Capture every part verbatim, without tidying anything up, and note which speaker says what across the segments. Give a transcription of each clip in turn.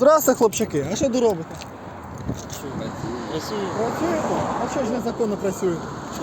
Speaker 1: Здравствуйте, хлопчаки. А що ви робите?
Speaker 2: Працюю.
Speaker 1: Працюєте? А що ж незаконно працюєте?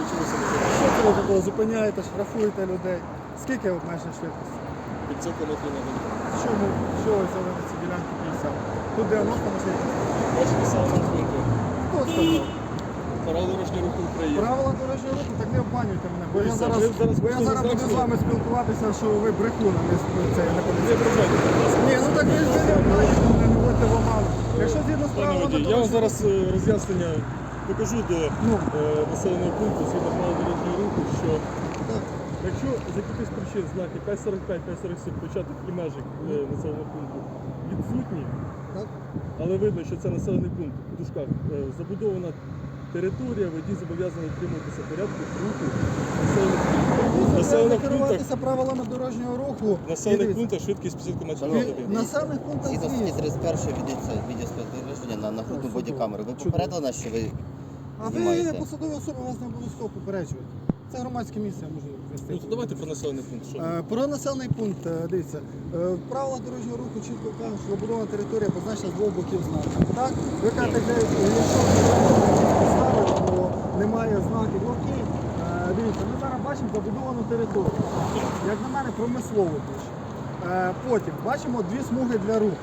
Speaker 1: Що це ви такого зупиняєте, штрафуєте людей? Скільки обмежена швидкість?
Speaker 2: п'ятсот кілометрів на годину.
Speaker 1: Чому? Що ви взяли на ці ділянки п'ятдесят? Тут дев'яносто можливість.
Speaker 2: Бачите, населеного пункту.
Speaker 1: Хто сказав?
Speaker 2: Правила дорожнього руху України.
Speaker 1: Правила дорожнього руху, так не обманюйте мене. Бо я
Speaker 2: Дивіться,
Speaker 1: зараз,
Speaker 2: ви зараз
Speaker 1: бо я
Speaker 2: просто
Speaker 1: зараз буду з
Speaker 2: знаєте-
Speaker 1: вами спілкуватися, що ви брехун, а не з- це я не
Speaker 2: Не
Speaker 1: поліцейський.
Speaker 2: ображайте, будь ласка.
Speaker 1: Ні, ну так ви ж ви не обманюєте мене, не вводьте в оману. Якщо згідно з
Speaker 2: Пане
Speaker 1: правилами
Speaker 2: водій, я вам
Speaker 1: дорожнього
Speaker 2: зараз е, роз'яснення покажу до
Speaker 1: Ну.
Speaker 2: е, населеного пункту згідно правил дорожнього руху, що
Speaker 1: Так.
Speaker 2: якщо з якихось причин знаки п'ять сорок п'ять, п'ять сорок сім початок і межі е, населеного пункту відсутні,
Speaker 1: Так.
Speaker 2: але видно, що це населений пункт у дужках е, забудована територія, водій зобов'язаний дотримуватися порядку руху населених пунктів.
Speaker 1: Треба
Speaker 2: Населених пунктах,
Speaker 1: керуватися правилами дорожнього руху.
Speaker 2: в населених
Speaker 1: І дивіться,
Speaker 2: пунктах швидкість п'ятдесят кілометрів на
Speaker 1: ви-
Speaker 2: годину.
Speaker 1: В населених пунктах
Speaker 3: Згідно статті
Speaker 1: звісно.
Speaker 3: тридцять першої ведеться відеоспостереження на нагрудну
Speaker 1: О,
Speaker 3: бодікамеру. Ви
Speaker 1: чудово.
Speaker 3: попередили нас, що ви
Speaker 1: А ви
Speaker 3: знімаєте?
Speaker 1: посадові особи вас не обов'язково попереджують. Це громадське місце, я можу вести.
Speaker 2: Ну, то давайте про населений пункт. Що?
Speaker 1: Е, Про населений пункт, е, дивіться, е, в правилах дорожнього руху чітко кажуть, що забудована територія позначена з двох боків знаку. Так? Ви кажете, де, якщо поставили, то немає знаків. Ну, окей, Е, дивіться, ми зараз бачимо забудовану територію. Як на мене, промислово більше. Е, Потім бачимо дві смуги для руху.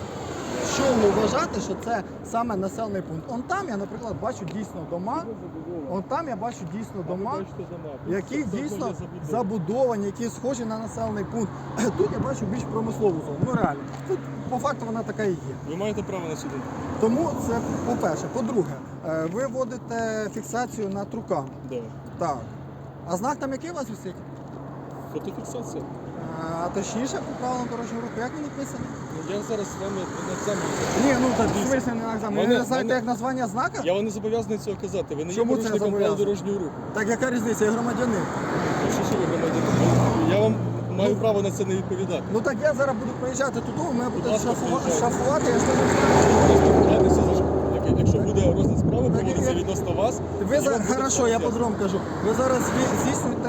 Speaker 1: Що ви вважати, що це саме населений пункт? Он там я, наприклад, бачу дійсно дома. Он там я бачу дійсно дома,
Speaker 2: Бачите, дома.
Speaker 1: які
Speaker 2: Це
Speaker 1: дійсно
Speaker 2: зона забудови.
Speaker 1: забудовані, які схожі на населений пункт. Тут я бачу більш промислову зону. Ну реально. Тут по факту вона така і є.
Speaker 2: Ви маєте право на суду.
Speaker 1: Тому це по-перше. По-друге, е, ви вводите фіксацію на трукам.
Speaker 2: Да.
Speaker 1: Так. А знак там який у вас висить?
Speaker 2: Фотофіксація.
Speaker 1: А точніше, по правилам дорожнього руху, як він написано?
Speaker 2: Ну, я зараз з вами на екзамені.
Speaker 1: Ні, ну так в
Speaker 2: Дивіться.
Speaker 1: смислі не на екзамен. Ви
Speaker 2: Мене-
Speaker 1: не знаєте,
Speaker 2: мене-
Speaker 1: як названня знака?
Speaker 2: Я вам не зобов'язаний цього казати. Ви не є
Speaker 1: Чому це
Speaker 2: порушником правил
Speaker 1: зобов'язаний?
Speaker 2: дорожнього руху.
Speaker 1: Так яка різниця? Я громадянин.
Speaker 2: Ну, що, що ви громадянин? Я вам маю право на це не відповідати.
Speaker 1: Ну так я зараз буду проїжджати туди, мене будуть
Speaker 2: ласка,
Speaker 1: шафувати,
Speaker 2: приїжджайте.
Speaker 1: шафувати, я ж не знаю.
Speaker 2: Розповідайтеся за що. Як- Якщо буде розгляд справи,
Speaker 1: Так,
Speaker 2: проводиться
Speaker 1: як-
Speaker 2: відносно вас.
Speaker 1: Ви
Speaker 2: я
Speaker 1: зараз,
Speaker 2: вам буду
Speaker 1: хорошо, я
Speaker 2: роз'яснювати.
Speaker 1: по-другому кажу. Ви зараз зві- здійснюєте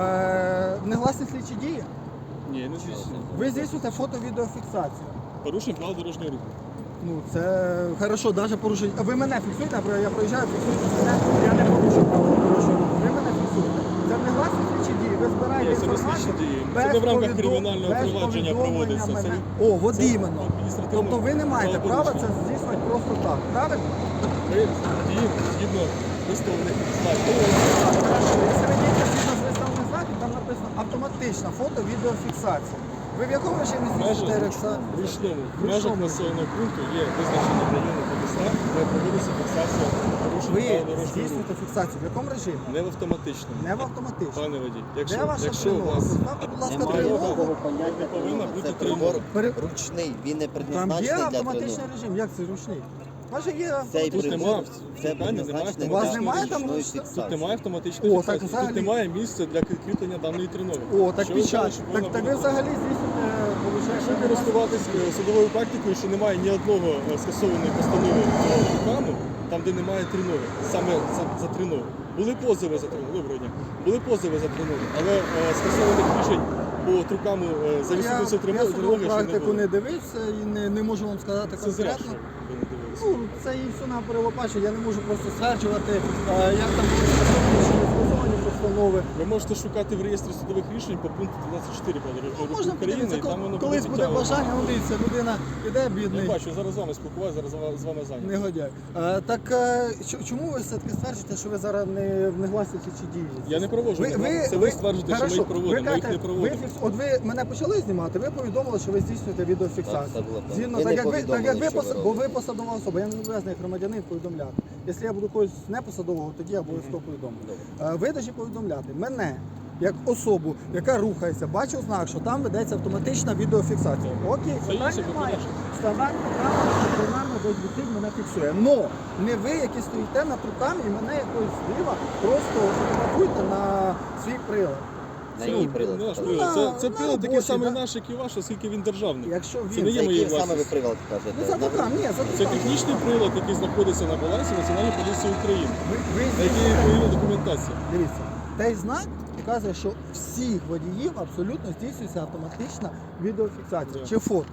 Speaker 1: е, негласні слідчі дії.
Speaker 2: Ні, не звісно.
Speaker 1: Ви здійснюєте фото-відеофіксацію.
Speaker 2: Порушення правил дорожнього руху.
Speaker 1: Ну це хорошо, навіть порушення. Ви мене фіксуєте, наприклад, я проїжджаю, фіксуєте мене, я не порушую правила дорожнього руху. Ви мене фіксуєте. Це негласні слідчі дії. Ви збираєте
Speaker 2: Ні, це не
Speaker 1: інформацію.
Speaker 2: слідчі дії. Це
Speaker 1: без
Speaker 2: не в рамках
Speaker 1: повідом-
Speaker 2: кримінального
Speaker 1: без
Speaker 2: провадження
Speaker 1: повідомлення
Speaker 2: проводиться. Це
Speaker 1: мене.
Speaker 2: від-
Speaker 1: О, от
Speaker 2: це
Speaker 1: іменно.
Speaker 2: адміністративне
Speaker 1: Тобто ви не маєте права це
Speaker 2: правопорушення.
Speaker 1: здійснювати просто так, правильно?
Speaker 2: Ми діємо згідно виставлених знаків.
Speaker 1: Хорошо, якщо ви дієте згідно з виставлених знаків, там написано автоматична фото-відеофіксація. Ви в якому режимі
Speaker 2: В межах
Speaker 1: здійснюєте рекса-
Speaker 2: в ручному. В
Speaker 1: В
Speaker 2: межах
Speaker 1: ручному.
Speaker 2: населеного пункту є визначені райони Подесна, де проводиться фіксація порушень
Speaker 1: Ви
Speaker 2: правил дорожнього
Speaker 1: здійснюєте
Speaker 2: руху.
Speaker 1: фіксацію. В якому режимі?
Speaker 2: Не в автоматичному.
Speaker 1: Не в автоматичному.
Speaker 2: Пане водій,
Speaker 1: Де
Speaker 2: якщо,
Speaker 1: ваша
Speaker 2: якщо у
Speaker 1: тривога?
Speaker 2: вас
Speaker 1: Поставте, будь ласка,
Speaker 3: немає
Speaker 1: тривогу.
Speaker 3: такого поняття.
Speaker 2: не повинна
Speaker 3: Це
Speaker 2: бути
Speaker 3: прибор
Speaker 1: Пере-
Speaker 3: ручний, він не
Speaker 1: Там є
Speaker 3: предназначений для
Speaker 1: автоматичний
Speaker 3: тренувань.
Speaker 1: режим. Як це ручний? Може є
Speaker 3: Цей
Speaker 1: автоматичний
Speaker 2: Тут
Speaker 3: прибор,
Speaker 2: нема,
Speaker 3: це
Speaker 2: немає
Speaker 3: предназначений
Speaker 1: У вас
Speaker 3: для
Speaker 1: немає там
Speaker 3: ручної
Speaker 1: ручки?
Speaker 2: Тут
Speaker 3: фіксації.
Speaker 2: немає автоматичної
Speaker 1: О, так
Speaker 2: фіксації.
Speaker 1: взагалі-
Speaker 2: Тут немає місця для кріплення даної тренори.
Speaker 1: О, так
Speaker 2: Що ви
Speaker 1: печать.
Speaker 2: кажете, що
Speaker 1: Так,
Speaker 2: повинна
Speaker 1: так ви
Speaker 2: бути?
Speaker 1: взагалі здійснюєте,
Speaker 2: Якщо
Speaker 1: виходить,
Speaker 2: користуватись е, судовою практикою, що немає ні одного е, скасованої постанови по трукаму, там де немає тренори, саме за, за тренори. Були позови за тренори, доброго дня. Були позови за тренори, але е, скасованих рішень по трукаму е, за
Speaker 1: Я,
Speaker 2: відсутністю
Speaker 1: я
Speaker 2: тренори
Speaker 1: судову
Speaker 2: ще не
Speaker 1: практику
Speaker 2: було.
Speaker 1: не дивився і не, не можу вам сказати
Speaker 2: Це зря,
Speaker 1: конкретно.
Speaker 2: що ви не дивилися.
Speaker 1: Ну, це і все на перелопачі. Я не можу просто стверджувати, е, як там були скасовані чи не скасовані постанови.
Speaker 2: Ви можете шукати в реєстрі судових рішень по пункту двадцять чотири по
Speaker 1: Ну,
Speaker 2: дорожнього
Speaker 1: можна
Speaker 2: руху України,
Speaker 1: подивитися,
Speaker 2: і там воно
Speaker 1: коли- колись буде
Speaker 2: підтягнуто.
Speaker 1: бажання, ну дивіться, людина іде
Speaker 2: Я
Speaker 1: бідний.
Speaker 2: бачу, я зараз з вами спілкуваюся, зараз з вами зайнятий.
Speaker 1: Негодяй. Е, так е, чо- чому ви все-таки стверджуєте, що ви зараз не, не гласите чи дії?
Speaker 2: Я не проводжу, це ви стверджуєте, що ми їх проводимо, ми їх не проводимо.
Speaker 1: Ви, фікс- от ви мене почали знімати, ви повідомили, що ви здійснюєте відеофіксацію.
Speaker 3: Так, це було правда.
Speaker 1: Згідно,
Speaker 3: Ви
Speaker 1: так,
Speaker 3: не
Speaker 1: як ви, так як
Speaker 3: повідомили,
Speaker 1: ви,
Speaker 3: що ви
Speaker 1: пос- бо ви
Speaker 3: робите.
Speaker 1: посадова особа, я не зобов'язаний як громадянин повідомляти. Якщо я буду когось не посадового, тоді я обов'язково повідомлю. Е, Ви повинні повідомляти мене, як особу, яка рухається, бачу знак, що там ведеться автоматична відеофіксація. Окей,
Speaker 2: Це
Speaker 1: питань
Speaker 2: інше
Speaker 1: немає.
Speaker 2: питання.
Speaker 1: Стандартна правила, дисциплінарна десь висить, мене фіксує. Но не ви, які стоїте над руками і мене якось зліва просто фотографуйте на свій прилад.
Speaker 3: На
Speaker 2: Це,
Speaker 3: її
Speaker 2: ну,
Speaker 3: прилад.
Speaker 2: наш
Speaker 3: так.
Speaker 2: прилад. Це, це
Speaker 1: На
Speaker 2: прилад такий
Speaker 1: робочий,
Speaker 2: самий
Speaker 1: да?
Speaker 2: наш, як і ваш, оскільки він державний.
Speaker 1: Якщо
Speaker 2: Це
Speaker 1: він
Speaker 2: не
Speaker 3: Це
Speaker 2: є моєю
Speaker 3: який саме ви
Speaker 2: власністю.
Speaker 3: прилад
Speaker 1: ну,
Speaker 3: кажете?
Speaker 1: за
Speaker 3: На
Speaker 1: руками, ні, за
Speaker 2: Це
Speaker 1: руками.
Speaker 2: технічний прилад, який знаходиться на балансі Національної поліції України,
Speaker 1: Ви, ви
Speaker 2: на який є відповідна документація.
Speaker 1: Дивіться, той знак показує, що всіх водіїв абсолютно здійснюється автоматична відеофіксація
Speaker 2: Да.
Speaker 1: чи фото.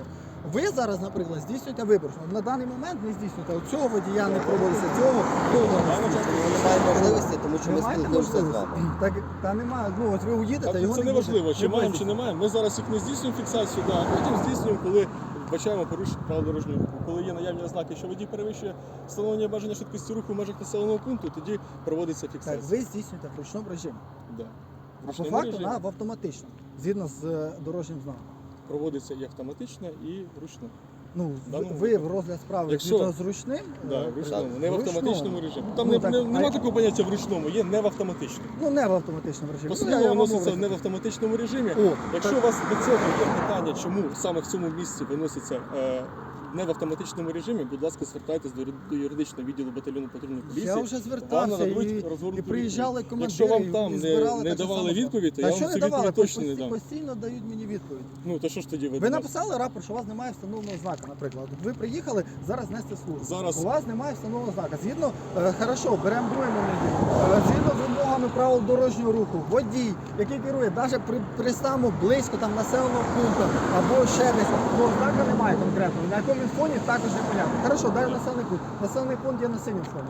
Speaker 1: Ви зараз, наприклад, здійснюєте вибір. На даний момент не здійснюєте. От цього водія не проводиться, цього того не здійснюєте.
Speaker 3: Немає можливості, тому що
Speaker 1: Ви
Speaker 3: ми
Speaker 1: маєте
Speaker 3: спілкуємося з
Speaker 1: можливість?
Speaker 3: вами.
Speaker 1: Так, та немає. Ну, от ви уїдете,
Speaker 2: Так,
Speaker 1: його
Speaker 2: це
Speaker 1: не
Speaker 2: не
Speaker 1: буде.
Speaker 2: важливо, чи
Speaker 1: Не
Speaker 2: маємо,
Speaker 1: буде.
Speaker 2: чи не маємо. Ми зараз їх не здійснюємо фіксацію, да, а потім здійснюємо, коли вбачаємо порушення правил дорожнього руху. Коли є наявні ознаки, що водій перевищує встановлення обмеження швидкості руху в межах населеного пункту, тоді проводиться
Speaker 1: Так,
Speaker 2: фіксація.
Speaker 1: ви здійснюєте в ручному режимі.
Speaker 2: Да.
Speaker 1: А по
Speaker 2: Ручному
Speaker 1: факту
Speaker 2: режимі
Speaker 1: на, в автоматично, згідно з е, дорожнім знаком.
Speaker 2: проводиться і автоматично, і вручну.
Speaker 1: Ну,
Speaker 2: В даному
Speaker 1: ви в
Speaker 2: випадку.
Speaker 1: розгляд справи
Speaker 2: Якщо-
Speaker 1: згідно з ручним,
Speaker 2: Да,
Speaker 1: е,
Speaker 2: в ручному,
Speaker 1: в
Speaker 2: не в
Speaker 1: ручному.
Speaker 2: автоматичному режимі. Там
Speaker 1: Ну,
Speaker 2: не,
Speaker 1: так,
Speaker 2: не,
Speaker 1: а
Speaker 2: нема
Speaker 1: я-
Speaker 2: такого поняття в ручному, є не в автоматичному.
Speaker 1: Ну, не в автоматичному режимі. Ну, я-
Speaker 2: Постанова
Speaker 1: я вам
Speaker 2: вноситься
Speaker 1: говорю.
Speaker 2: не в автоматичному режимі.
Speaker 1: О,
Speaker 2: Якщо
Speaker 1: так.
Speaker 2: у вас до цього є питання, чому саме в цьому місці виноситься е, не в автоматичному режимі, будь ласка, звертайтесь до, юри- до юридичного відділу батальйону патрульної поліції.
Speaker 1: Я вже
Speaker 2: Вам
Speaker 1: звертався
Speaker 2: нададуть
Speaker 1: і,
Speaker 2: розгорнуту
Speaker 1: і приїжджали
Speaker 2: відповідь.
Speaker 1: командири.
Speaker 2: Якщо вам
Speaker 1: і
Speaker 2: там не,
Speaker 1: збирали
Speaker 2: не
Speaker 1: так же
Speaker 2: давали
Speaker 1: само.
Speaker 2: відповідь, то
Speaker 1: Та
Speaker 2: я
Speaker 1: що
Speaker 2: вам
Speaker 1: не
Speaker 2: цю
Speaker 1: давали?
Speaker 2: відповідь точно не
Speaker 1: Постійно-
Speaker 2: дам.
Speaker 1: Постійно дають мені відповідь.
Speaker 2: Ну то що ж тоді ви
Speaker 1: Ви
Speaker 2: до нас?
Speaker 1: написали рапорт, що у вас немає встановленого знака, наприклад. От ви приїхали зараз нести службу.
Speaker 2: Зараз-
Speaker 1: У вас немає встановленого знака. Згідно, е, хорошо, беремо другий момент. Е, згідно з вимогами правил дорожнього руху, водій, який керує, навіть при, пристану близько там населеного пункту або ще десь, ну знака немає конкретно. На якому він фоні також не понятно. Хорошо, дай населений пункт. Населений пункт є на синьому фоні.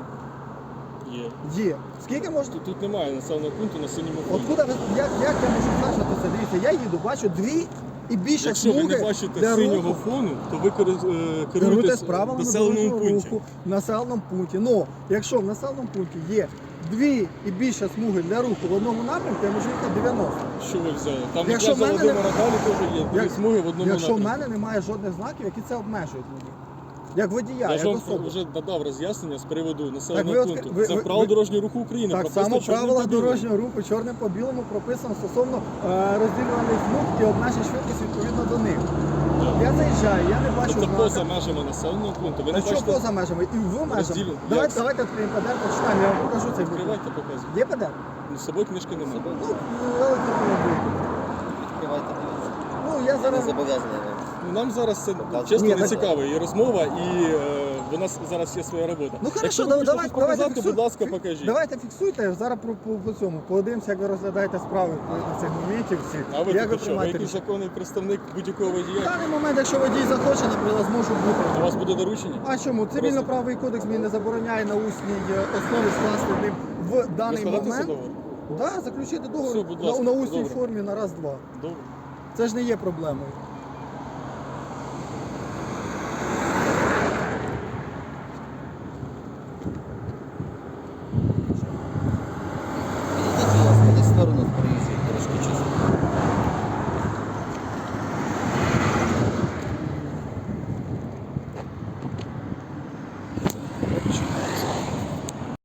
Speaker 2: Є.
Speaker 1: Є. Скільки можна?
Speaker 2: Тут, тут немає населеного пункту на синьому фоні.
Speaker 1: Откуда ви, як, як я можу значити це? Дивіться, я їду, бачу дві і більше
Speaker 2: Якщо ви
Speaker 1: смуги
Speaker 2: не бачите
Speaker 1: для
Speaker 2: синього
Speaker 1: руху.
Speaker 2: фону, то ви керу- е,
Speaker 1: Керуйте
Speaker 2: керуєтесь
Speaker 1: з
Speaker 2: в
Speaker 1: правилами
Speaker 2: населеному
Speaker 1: дорожнього
Speaker 2: пункті.
Speaker 1: руху в населеному пункті. Ну, якщо в населеному пункті є дві і більше смуги для руху в одному напрямку, я можу їхати дев'яносто.
Speaker 2: Що ви взяли? Там
Speaker 1: Якщо
Speaker 2: якраз
Speaker 1: в мене
Speaker 2: Володимира далі теж є дві
Speaker 1: Як-
Speaker 2: смуги в одному
Speaker 1: Якщо в
Speaker 2: напрямку.
Speaker 1: мене немає жодних знаків, які це обмежують мені. Як водія,
Speaker 2: Я ж
Speaker 1: як
Speaker 2: вам
Speaker 1: особи.
Speaker 2: вже надав роз'яснення з приводу
Speaker 1: Так
Speaker 2: населеного
Speaker 1: ви от-
Speaker 2: пункту.
Speaker 1: ви-
Speaker 2: Це
Speaker 1: ви-
Speaker 2: в правил
Speaker 1: ви-
Speaker 2: дорожнього руху України.
Speaker 1: Так
Speaker 2: прописано
Speaker 1: само
Speaker 2: чорним
Speaker 1: правила
Speaker 2: по білому.
Speaker 1: дорожнього руху чорним по білому прописано стосовно е, розділюваних смуг і обмежень швидкості відповідно до них.
Speaker 2: Так.
Speaker 1: Я заїжджаю, я не бачу
Speaker 2: Тобто поза
Speaker 1: знака.
Speaker 2: межами населеного пункту. Ви
Speaker 1: Та
Speaker 2: не
Speaker 1: що
Speaker 2: бачите?
Speaker 1: поза межами? І в межах.
Speaker 2: Розділю-
Speaker 1: Давайте,
Speaker 2: Як?
Speaker 1: давайте відкриємо П Д Р, почитаємо, я вам покажу цей буклет.
Speaker 2: Відкривайте, показуйте.
Speaker 1: Є П Д Р?
Speaker 2: Ну, з собою книжки немає.
Speaker 1: Ну, електронний буклет.
Speaker 3: Відкривайте, дивіться.
Speaker 1: Ну, я
Speaker 3: Я не
Speaker 1: зараз...
Speaker 3: зобов'язаний вам.
Speaker 2: Ну, нам зараз це
Speaker 3: Показуйте.
Speaker 2: чесно
Speaker 1: Ні,
Speaker 2: не
Speaker 1: так-
Speaker 2: цікаво. І розмова, і е, в нас зараз є своя робота.
Speaker 1: Ну, хорошо,
Speaker 2: Якщо ви
Speaker 1: давай,
Speaker 2: хочете
Speaker 1: давай,
Speaker 2: щось
Speaker 1: давайте
Speaker 2: показати,
Speaker 1: фіксуй-
Speaker 2: будь ласка,
Speaker 1: фі-
Speaker 2: покажіть.
Speaker 1: Давайте фіксуйте, зараз по, по, по цьому. Подивимося, як ви розглядаєте справи відповідно цих моментів всі.
Speaker 2: А ви
Speaker 1: як ви
Speaker 2: тут що? Ви
Speaker 1: приймаєте
Speaker 2: якийсь
Speaker 1: рішення.
Speaker 2: законний представник будь-якого
Speaker 1: В
Speaker 2: водія?
Speaker 1: даний момент, якщо водій захоче, наприклад, зможу
Speaker 2: У
Speaker 1: бути.
Speaker 2: вас буде доручення?
Speaker 1: А чому? Цивільно-правовий кодекс мені не забороняє на усній е, основі скласти ним в
Speaker 2: Ви
Speaker 1: даний
Speaker 2: складати
Speaker 1: момент.
Speaker 2: договор?
Speaker 1: Да, заключити договор
Speaker 2: Все, будь
Speaker 1: на,
Speaker 2: ласка,
Speaker 1: на усній
Speaker 2: добре.
Speaker 1: формі на раз-два.
Speaker 2: Добре.
Speaker 1: Це ж не є проблемою.